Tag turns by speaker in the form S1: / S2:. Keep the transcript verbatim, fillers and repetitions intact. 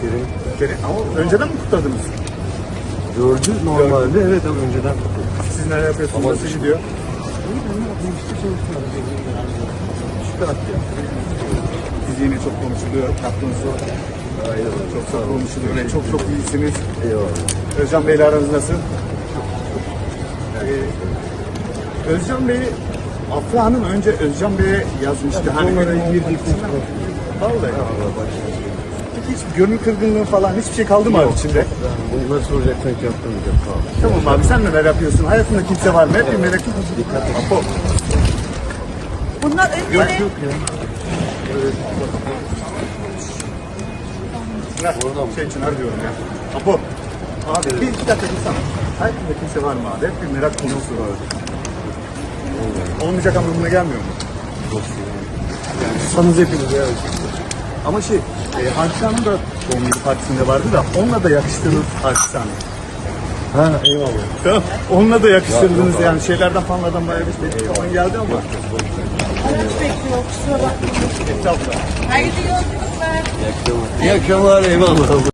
S1: Kerim.
S2: Kerim, ama önceden mi kutladınız?
S1: Dördü normalde, evet ama önceden kutladım.
S2: Siz neler yapıyorsunuz? Nasıl gidiyor?
S1: Şükür ya.
S2: Siz yine çok konuşuluyor. Yaptığınız o
S1: Aynen.
S2: çok çok konuşuluyor. Ve çok çok iyisiniz.
S1: Eyvallah.
S2: Özcan Bey'le aranız nasıl? Ee, Özcan Bey, Afra Hanım önce Özcan Bey'e yazmıştı. Hani
S1: Onlara
S2: benim
S1: girdik.
S2: Vallahi.
S1: Allah başlasın.
S2: Peki hiç gönül kırgınlığı falan hiçbir şey kaldı mı abi içinde?
S1: Bunları soracaksan ki yaptırmayacağım. Tamam.
S2: Tamam abi, sen neler yapıyorsun? Hayatında kimse var mı? Hep bir merak ettim.
S1: Dikkat et.
S2: Apo.
S3: Bunlar
S1: Yok
S3: önleri.
S1: yok ya.
S2: Ne? Şey için diyorum ya. Apo. Abi bir iki dakika dursana. Hayatında kimse var mı abi? Hep bir merak konusu var. Olmayacak anlamına gelmiyor mu?
S1: Sanız hepiniz ya.
S2: Ama şey, e, Hadise Hanım da doğum günü partisinde vardı da onunla da yakıştırdınız Hadise Hanım.
S1: Ha eyvallah.
S2: Tamam. Onunla da yakıştırdınız
S1: Yok,
S2: yani şeylerden fanlardan bayağı bir şey falan geldi ama.
S3: Araç bekliyor, kusura bakmayın.
S2: Estağfurullah.
S3: Hayırlı yolculuklar.
S1: İyi akşamlar, eyvallah.